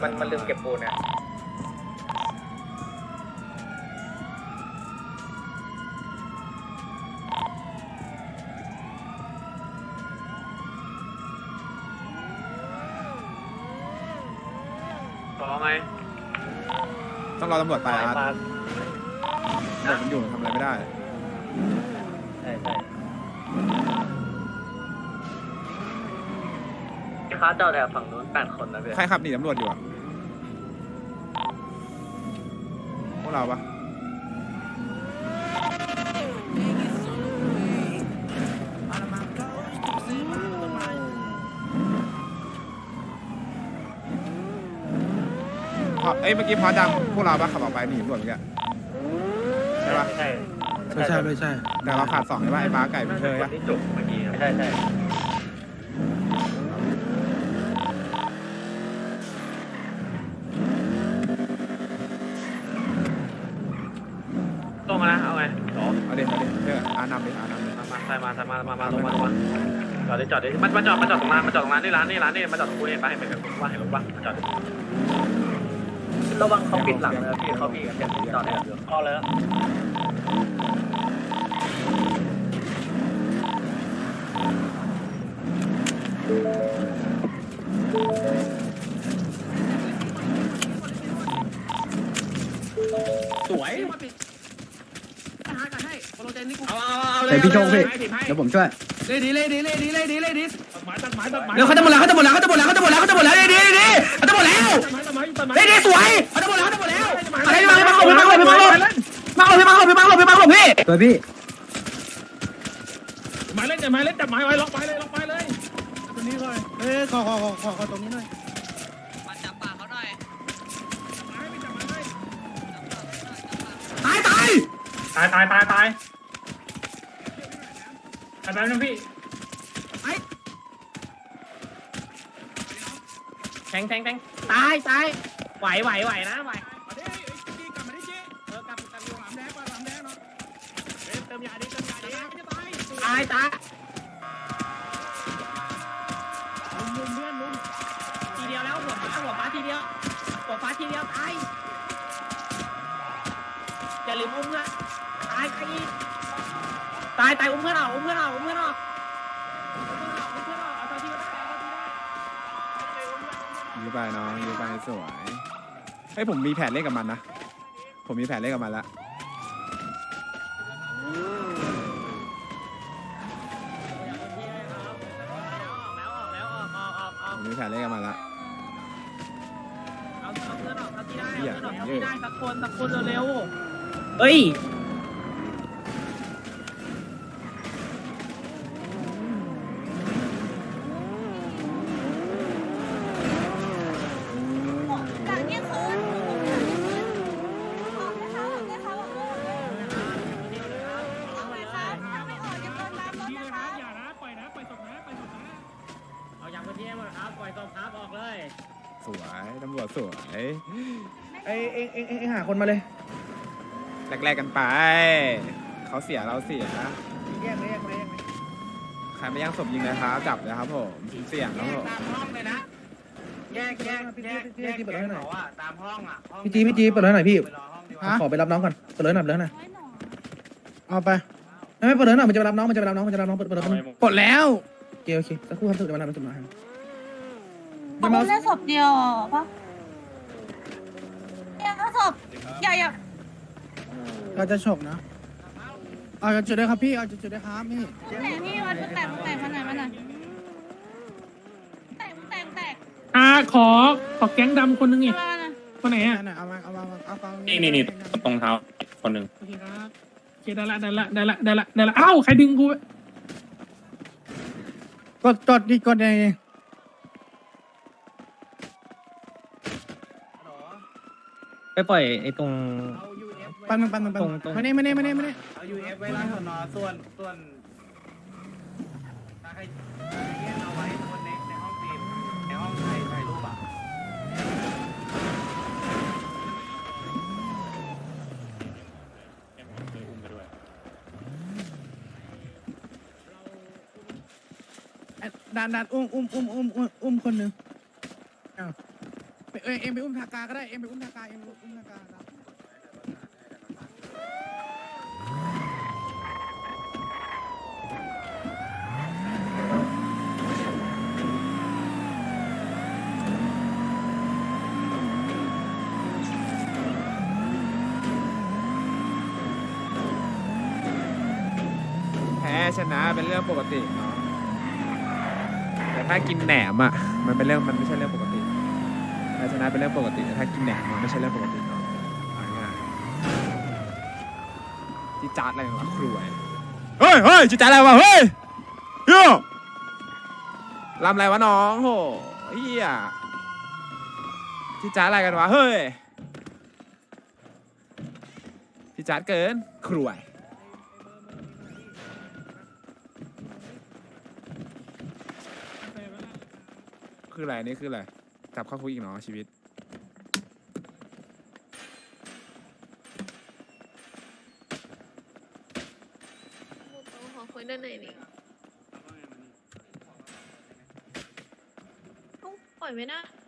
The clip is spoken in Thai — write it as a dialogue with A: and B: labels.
A: มันลืมเก็บปูนเนี่ย
B: ต่อไง
C: ต้องรอตำรวจไปอาร์ตตำรวจมันอยู่ทำอะไรไม่ได้
A: ใช่ค้าเจ้าแต่ฝั่งนู้น8 คนนะเพื่อน
C: ใครขับหนีตำรวจอยู่อะพวกเราปะเอ้ยเมื่อกี้พอจังพวกเราปะขับออกไปหนีตำรวจเมื่อกี้ใช่ปะ
A: ไม่ใช่
C: แต่เราขาด2ใช่ปะไอ้ม้าไก่เป็นเชยอะ
A: ที่จุกเมื่อกี้ใช่
B: ตรงนะเอาไงต่อ
C: เอาเด็เชื่ออานำดิลงมา
B: จอดดิมันจอดตรงร้านนี่ร้านนี่มาจอดตรงกูเห็นปะเห็นว่าเห็นรถปะมาจอด
A: ระวังเขาปิดหลังนะพี่เขามีกันจอดเนี่ยก็เลย
B: สวย
D: เดี๋ยวพี่โชคพี่เดี๋ยวผมช่วย
B: เล่ดี
D: เร็วเขาจะหมดแล้วดีเขาจะหมดแล้วดีเขาจะหมดแล้วดีสวยเขาจะหมดแล้วอะไรมาหลบพี่ตัวพี่
B: ไม้เล่นจับไม้จับไม้ไว้ล็อกไม้เลยตัวนี้เลย
D: ขอตรงนี้หน่อย
E: มาจับปากเขาหน่อย
D: ตาย
B: ตายแป๊บนึงพี่แทงตายไหวนะไหวกลับมาดิจีกลับอยู่หลามแดงเนาะเติมยาดิตายลุมเพื่อนลุมทีเดียวแล้วหัวฟ้าทีเดียวตายอย่าลืมอุ้มนะตายอุ้มเพื่อนออกเอาตอนที่ก็ได้
C: ยื้อไปน้องยื้อไปสวยเฮ้ยผมมีแผนเล่นกับมันนะผมมีแผนเล่นกับมันละผมมีแผนเล่นกับมันละ
B: เอาเพื่อนออกเท่าที่ได้
C: เหี้ย
B: เอาเพื่อนออกเท่าที่ได้สักคนเร็วๆเฮ้ยอย่านะปล่อยศพนะเอาอย่างพื้นที่ให้หมดครับปล่อยศพครับออกเลย
C: สวยตำรวจสวย
D: เอ็งหาคนมาเลย
C: แรกๆกันไปเขาเสียเราเสีย
D: แยกเลย
C: ใครไม่ย่างศพยิงเลยครับจับเลยครับผมเสี่ยงครับผม
A: ตามห้องเลยนะแยกเขาอ่ะตามห้องอ่ะ
D: พี่จีเปิดเลยหน่อยพี่
A: ไปรอห้องดีกว่า
D: ขอไปรับน้องก่อนเปิดเลยหน่อย
C: เอาไป
D: ไม่เปิดเลยหน่อยมันจะไปรับน้องเปิด
C: ปลดแล้ว
D: โอเคสักครู่ครับจะมารับจะมา
F: เขาเล่นศพเดียวปะเนี่ยศพอย่า
C: เราจะฉกนะเอาจะจุดได้ครับพี่เอาจะจุดได้ครับพี่
F: แต่พี่วัดแตกมาไหนแตก
B: ขอแก๊งดำคนนึงอีก
F: มานะ
B: คนไหนอ่ะ
C: เอาฟัง
G: นี่ตรงเท้าคนหนึ่ง
B: โอเคครับโอเคได้ละอ้าวใครดึงกู
C: กดดิกดยังไง
G: ไปปล่อยไอ้ตรง
C: ปันมาเนี่ย
A: เอายูเอฟไว้ร้านสอนอส่วนถ้าใครเอาไว้คนในห้องฟิล์มในห้องถ่ายรูปอ่ะ
C: ดันอุ้มคนหนึ่งเอ็มไปอุ้มทากาก็ได้เอ็มไปอุ้มทากาเอ็มไปอุ้มทากาครับแพ้ชนะเป็นเรื่องปกติเนาะแต่ถ้ากินแหนมอ่ะมันไม่ใช่เรื่องปกติแพ้ชนะเป็นเรื่องปกติแต่ถ้ากินแหนมมันไม่ใช่เรื่องปกติเนาะเอาง่ายๆที่จัดอะไรวะครวยเฮ้ยจิจัดอะไรวะเฮ้ยโย่ลำอะไรวะน้องโหเฮียที่จัดอะไรกันวะเฮ้ยที่จัดเกินครวยคืออะไรนี่คืออะไรจับเข้าคุกอีกเนาะชีวิต
F: ขอคุยด้านไหนนี่ปล่อยไม่ได้